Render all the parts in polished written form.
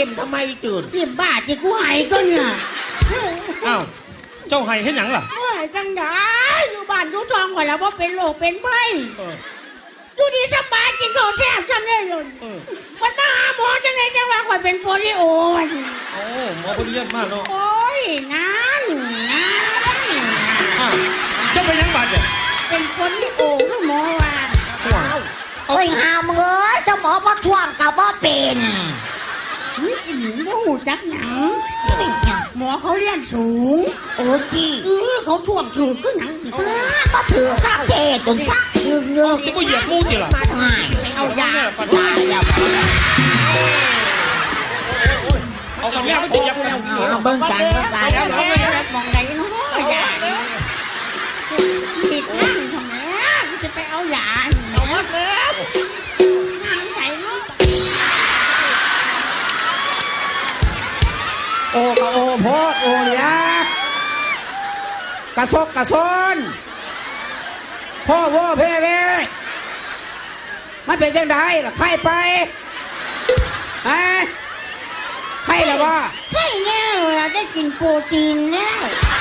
มทำไมจืดยิ้มบ้าจิกูหายก็เนี่ยอ้าวเจ้าไห้เห็นหยังล่ะจังได้อยู่บ้านอยู่ช่องข่อยแล้วว่าเป็นโรคเป็นไข้อยู่ดีสบายกินข้าวแซ่บจังเลยวันมาหาหมอจังเลยจังว่าข่อยเป็นโปลิโอโอ้หมอคนเยี่ยมมากเนาะโอ้ยนั่นเจ้าเป็นยังบาดเนี่ยเป็นโปลิโอคือหมอว่าโอ้ยหามึงเอ้ยเจ้าหมอว่าช่วงกับว่าเป็นอีหนูบ่หูจักหยังหมอเขาเรียนสูงโอ้จีเขาท่วงถือขึ้นหนังก็ถือข้าเทจนซักเงือกจะไม่เหยียบมูจิล่ะไปเอายาเอาคำนี้ไม่เหยียบเอาเบิ้งกันมองไหนเนาะยาติดนั่งทำไมจะไปเอายาเอาหมดแล้วนั่งใส่เนาะโอ้กะโอโพดโอเลียกระซกกระซนพ่อโว้เพ่เพ่มันเป็นยังไงล่ะไข้ไปฮะไข้หรือว่าไข้แล้วเราได้กินโปรตีนแล้ว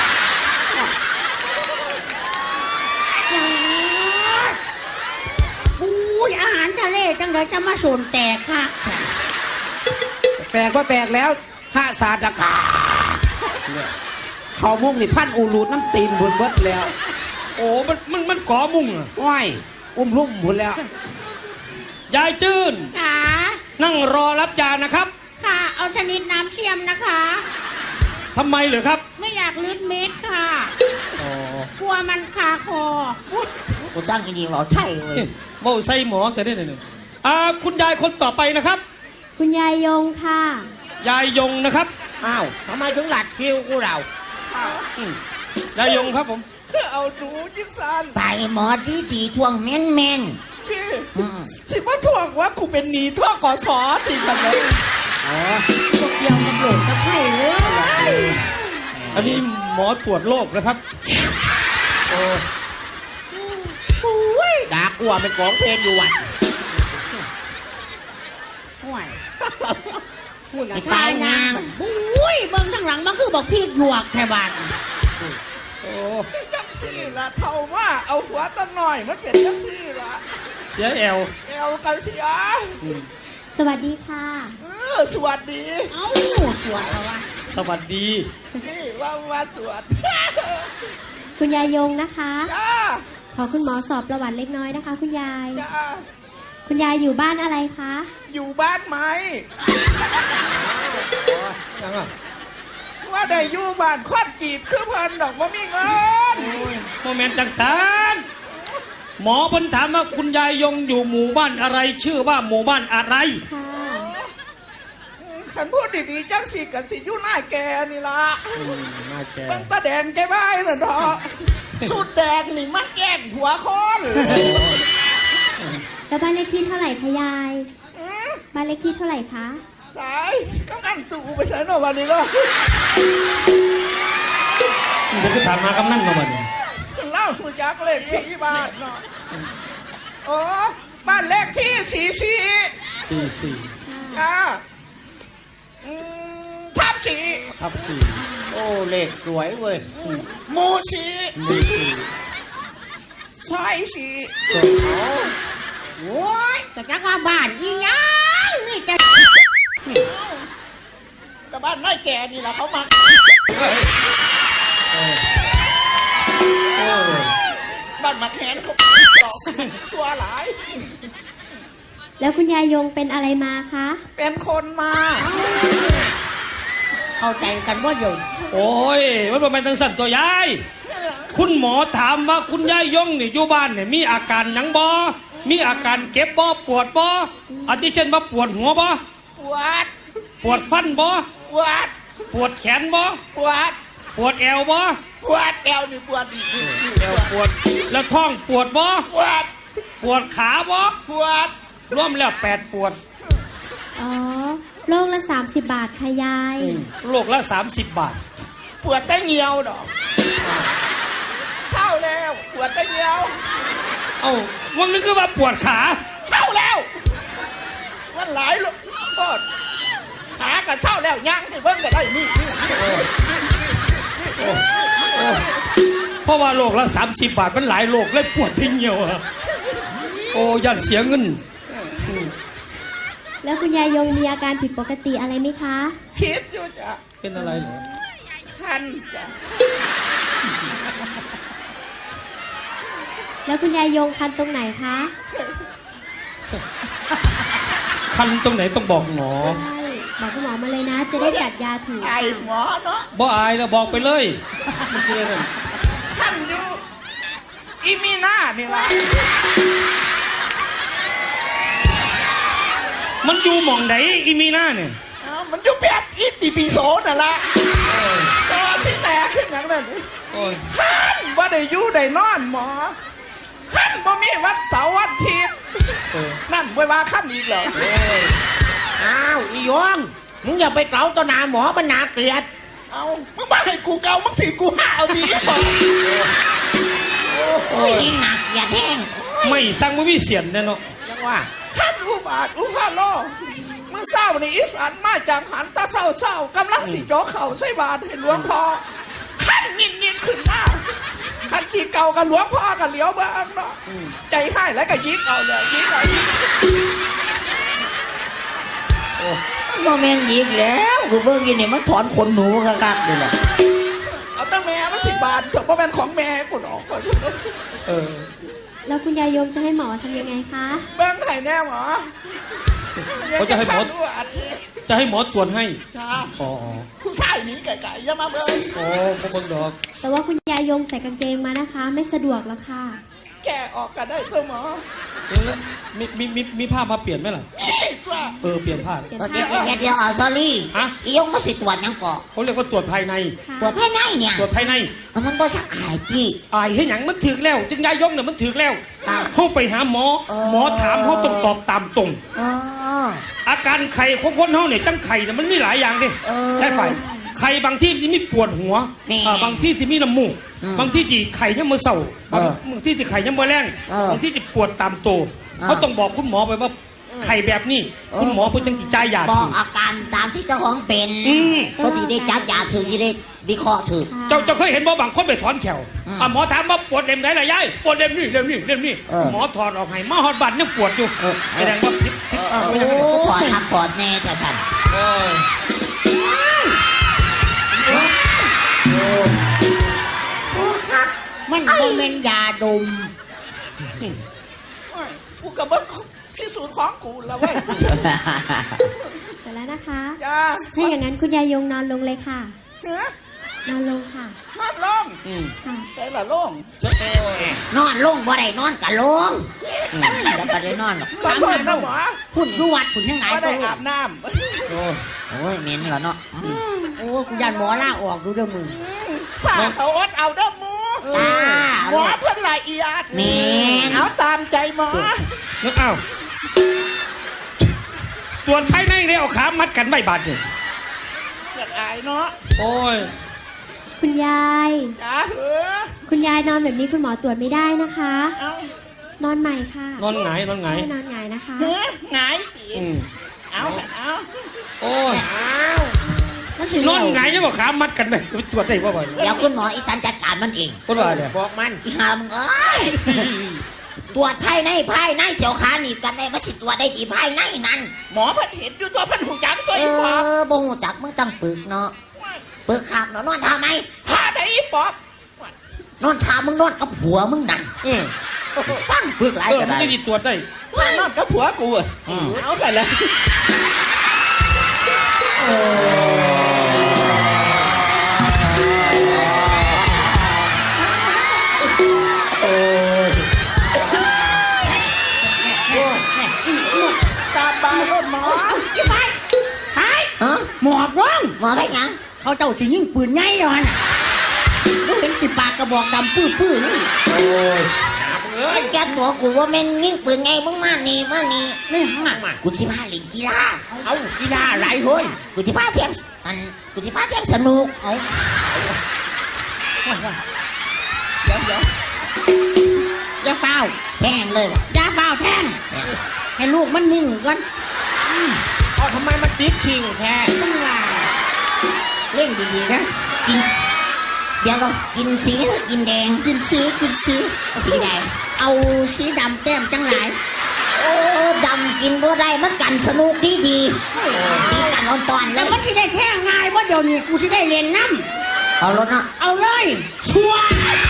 อาหารทะเลจังเลยจะมาสูนแตกค่ะแตกก็แตกแล้วห้าศาสตร์กาเขามุ่งนี่พันอูรูดน้ำตีนบนเบิดแล้วโอ้มันก่อมุ่งอ่ะว้ายลุ่มหมดแล้วยายจื้นค่ะนั่งรอรับจานนะครับค่ะเอาชนิดน้ำเชี่ยมนะคะทำไมเหรอครับไม่อยากลืดเม็ดค่ะกลัวมันคาคอกูสร้างกินดีเอาไทยเลยโม่ใส่หมอจะได้หนึ่งคุณยายคนต่อไปนะครับคุณยายยงค่ะยายยงนะครับอ้าวทำไมถึงหลัดคิวกูเรายายยงครับผมคือเอาหนูยิ่งสันไปหมอดีทวงแม่นสิว่าทวงว่ากูเป็นหนีทั่วก่อชอติกันเลยพวกเดียวกับโหลดกับไข่เลยอันนี้หมอตรวจโรคนะครับโอ้ดากัวเป็นของเพลงอยู่วัดพูดตายนางอุ้ยเบิ้งทั้งหลังมันคือบอกพี่หยวกแค่บาทโอ้จังซี่ละเท่าว่าเอาหัวตั้งหน่อยมันเป็นจังซี่ละเสียแอลกันเสียสวัสดีค่ะสวัสดีเอ้าสวัสดีวะสวัสดีนี่ว่าสวัสดีคุณยายยงนะคะขอคุณหมอสอบประวัติเล็กน้อยนะคะคุณยายคุณยายอยู่บ้านอะไรคะอยู่บ้านไหมยังอ่ะว่าได้อยู่บ้านควันจีบคือเพิ่นดอกว่ามีเงินโมเมนต์จังสันหมอเพิ่นถามว่าคุณยายยงอยู่หมู่บ้านอะไรชื่อว่าหมู่บ้านอะไรขันพูดดีๆจังสิกันสิอยู่หน้าแกนี่ละบังตาแดงใจไหมน่ะดอกสุดแดงนี่มันแกล้งหัวคนแล้วบ้านเลขที่เท่าไหร่คะยายบ้านเลขที่เท่าไหร่คะตายกำนันตู่ไปใช้หน่อยวันนี้ก็เดี๋ยวก็ถามมากำนันมาวันนี้เล่าคุณยักษ์เลขที่บ้านเนาะโอ้บ้านเลขที่44ทับ4โอ้เลขสวยเว้ยหมู่4ซอย4 โอ้ยแต่จักว่าบ้านอีหยังนี่จะแต่บ้านน้อยแก่นี่แหละเขามาบ้านมาแขนเขาชัวหลายแล้วคุณยายยงเป็นอะไรมาคะเป็นคนมาเข้าใจกันว่าอยู่โอ้ยมันเป็นทางสั่นตัวยายคุณหมอถามว่าคุณยายยงนี่อยู่บ้านเนี่ยมีอาการหยังบ่มีอาการเก็บบ่ปวดบ่อาทิเช่นว่าปวดหัวบ่ปวดฟันบ่ปวดแขนบ่ปวดแอวบ่แอวนี่ปวดแอวปวดแล้วท้องปวดบ่ปวดขาบ่รวมแล้ว8ปวดอ๋อโลกละ30 บาทค่ะยายโลกละ30 บาทปวดแต่เหี่ยวดอกเช่าแล้วปวดแต่เหี่ยวเอ้าวันนึงคือว่าปวดขาเช่าแล้ววันหลายลูกปวดขากระเช้าแล้วย่างให้เบิ่งก็ได้นี่เพราะว่าโลกละ30 บาทมันหลายโลกเลยปวดทิ้งเหี่ยวอะโอ้ยันเสียเงินแล้วคุณยายยงมีอาการผิดปกติอะไรไหมคะคิดอยู่จ้ะเป็นอะไรเหรอคันจ้ะแล้วคุณยายยงคันตรงไหนคะคันตรงไหนต้องบอกหมอใช่บอกคุณหมอมาเลยนะ จะได้จัดยาถูกไอหมอเนาะบ่อายแล้วบอกไปเลยมันคืออะไรคันอยู่อีมีหน้านี่ล่ะมันอยู่หม่องไหนอีมีหน้าเนี่ยเอ้ามันอยู่แบบอิติปิโสนั่นล่ะก็ที่แตกขึ้นอย่างนั้นโอ้ยคันบ่ได้อยู่ได้นอนหมอคันบ่มีวันเสาร์วันอาทิตย์นั่นบ่ว่าคันอีกเหรออ้าวอียงมึงอย่าไปเกาต่อหน้าหมอมันน่าเกลียดเอามึงมาให้กูเกามึงสิกูหาเอาดีบอกโอ้ยยิ่งหนักอย่าแห้งไม่สั่งไม่มีเสียนแน่เนาะจังว่าท่านอุบาทอุพาโลเมื่อเศร้าในอีสานมาจากหันตาเศร้ากำลังสิโจกเข่าใส่บาทให้หลวงพ่อขั้นยินขึ้นมาขันชีเก่ากับหลวงพ่อกับเหลียวบ้างเนาะใจให้แล้วก็ยิกเอาเลยยิกเอายิกโมเมนต์ยิกแล้วกูเบิ่งอยินนี่มันถอนขนหนูคักๆเลยล่ะเอาตั้งแม่มัน10 บาทเถอะเพราะเป็นของแม่กูออกแล้วคุณยายยงจะให้หมอทำยังไงคะเบิ้งไห้แน่หมอเขาจะให้หมอดูอาทิตย์จะให้หมอตรวจให้จ้าอ๋อคุณชายหนีไก่ๆอย่ามาเบิ้งโอ้บ่เบิ่งดอกแต่ว่าคุณยายยงใส่กางเกงมานะคะ ไม่สะดวกแล้วค่ะแกออกก็ได้ตัวหมอแล้วมีผ้ามาเปลี่ยนไหมล่ะนี่ตัวเปลี่ยนผ้าเปลี่ยนเดี๋ยวผ้าเดี๋ยวซอรี่ฮะอียงมาสิตรวจยังก่อเขาเรียกว่าตรวจภายในค่ะตรวจภายในเนี่ยตรวจภายในมันบ่อยากขายจี้อายให้หยังมันถึกแล้ว จึงยายยงเนี่ยมันถึกแล้วเขาไปหาหมอ หมอถามเขาต้องตอบตามตรงเอออาการไข่ของคนเขาเนี่ยจังไข่เนี่ยมันมีหลายอย่างดิเออได้ไข่ไข่บางที่ที่มีปวดหัวนี่บางที่ที่มีน้ำมูก บางที่ที่ไข่ยังมือเศร้าเออบางที่ที่ไข่ยังมือแรงเออบางที่ที่ปวดตามตัวเขาต้องบอกคุณหมอไปว่าไข่แบบนี้ คุณหมอเพิ่งจังจิจ่ายยาบอถูกกอาการตามที่เจ้าของเป็นอืมก็ที่ได้จับยาถือที่ได้วิเคราะห์ถือเจ้าเคยเห็นบ่บางคนไปถอนแขวอืมหมอถามว่าปวดเล่มไหนล่ะยายปวดเล่มนี้เล่มนี้เล่มนี้เออหมอถอดออกให้มาหอดบัตรยังปวดอยู่เออแสดงว่าพิษโอ้ถอดทับถอดแน่แต่ฉันมันโมเมนต์ยาดมโอ้ยกูกับเบิ้งพิสูจน์ของกูแล้วเว้ยเสร็จแล้วนะคะจ้าถ้าอย่างนั้นคุณยายยงนอนลงเลยค่ะเนื้อนอนลงค่ะนอนลงค่ะใส่ละล่งนอนลงบ่ได้นอนกะลงแล้วก็ได้นอนหรอกขอโทษนะหมอพุ่นดูวัดพุ่นยังไงไม่ตัได้วอาบน้โอ้ยเหม็นเหรอเนาะโอ้กูยันหมอล่าออกดูเด้อมึงำสาเขาอดเอาเด้อหมูจ้าหมอเพิ่นละเอียดแม่นเอาตามใจหมอนึกอ้าวตรวจภายในเลยเอาขามัดกันไม่บาดเลยเกิดอายเนาะโอ้ยคุณยายจ้าเหอคุณยายนอนแบบนี้คุณหมอตรวจไม่ได้นะคะเอานอนใหม่ค่ะนอนหงายนอนหงายใช่นอนหงายนะคะเหอหงายจีอืมเอาเอาโอ้ยมันสินอนหงายจะบอกขามัดกันไหมไปตรวจได้ป่ะบ่อยเดี๋ยวคุณหมออีสานจัดการมันเองคนว่าเนี่ยบอกมันอีหามึงเอ้ยตรวจภายในเสียวขาหนีบกันได้ว่าสิตรวจได้ดีภายในนั้นหมอเพิ่นเห็นอยู่ตัวเพิ่นหูจักตัวเออีปอบอบ่หูจักมึงต้องปึกเนาะปึกขับเนาะนอนทาไหมท่าได้อีปอบนอนทามึงนอนกับผัวมึงนั่นเออสร้างปึกหลายเออก็มันได้จะดีตรวจได้ท่านอนกับผัวกูอะเอาไปเลย ตามบายรถหมออีไฟไฟฮะหมอบร้องหมอไปยังเขาเจ้าสิยิงปืนไงแล้วน่ะมึงเห็นติปากกระบอกดำปื้อๆนี่มันแกตัวกูว่าแม่นยิ่งปืนไงมึงมานี่มานี่ไม่หักมากูสิพาเล่นกีฬาเอากีฬาอะไรเฮ้ยกูสิพาเที่ยงกูสิพาเที่ยงสนุกเอาเดี๋ยวอย่าเฝ้าวแข่งเลยว่ะอย่าเฝ้าวแทงให้ลูกมันนิ่งก่อนเอาทำไมมันติดชิงแท้ล่นดีๆนะกินเดี๋ยวก็กินสีหรือกินแดงกินสีสีแดงเอาสีดำแต้มจังหลายโอ้ดำกินบ่ได้มันกันสนุกดีดีกันอ่อนตอนๆเลแล้วยมันสิได้แท่งง่ายว่าเดี๋ยวนี้กูสิได้เรียนน้เอารถเนาะำเอาเลยชัวร์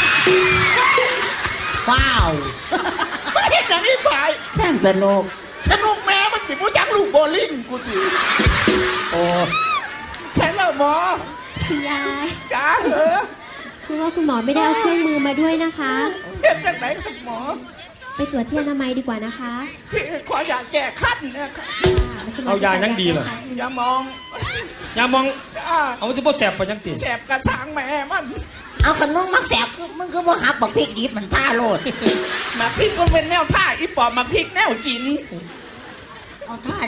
ว้าวไม่เห็นอย่างนี้ฝ่ายแท่งสนุกสนุกแม่มันติดผู้จักลูกโบลิ่งกูติโอ้ใช่แล้วหมอคุณยายจ้าเหรอคือว่าคุณหมอไม่ได้เอาเครื่องมือมาด้วยนะคะเห็นจากไหนครับหมอไปตรวจที่อนามัยดีกว่านะคะที่ขออยากแก้ขั้นเนี่ยครับคุณหมเอายายังดีเหรออย่ามองยามองจ้าเอาจะบ่แสบไปยังติแสบกระช้างแม่มันเอาขนมมักแสบมึงคือบ่หับบักพริกดิบมันท่าโลดมาพริกมันเป็นแนวท่าอีปอบมาพริกแนวจินเอาท่า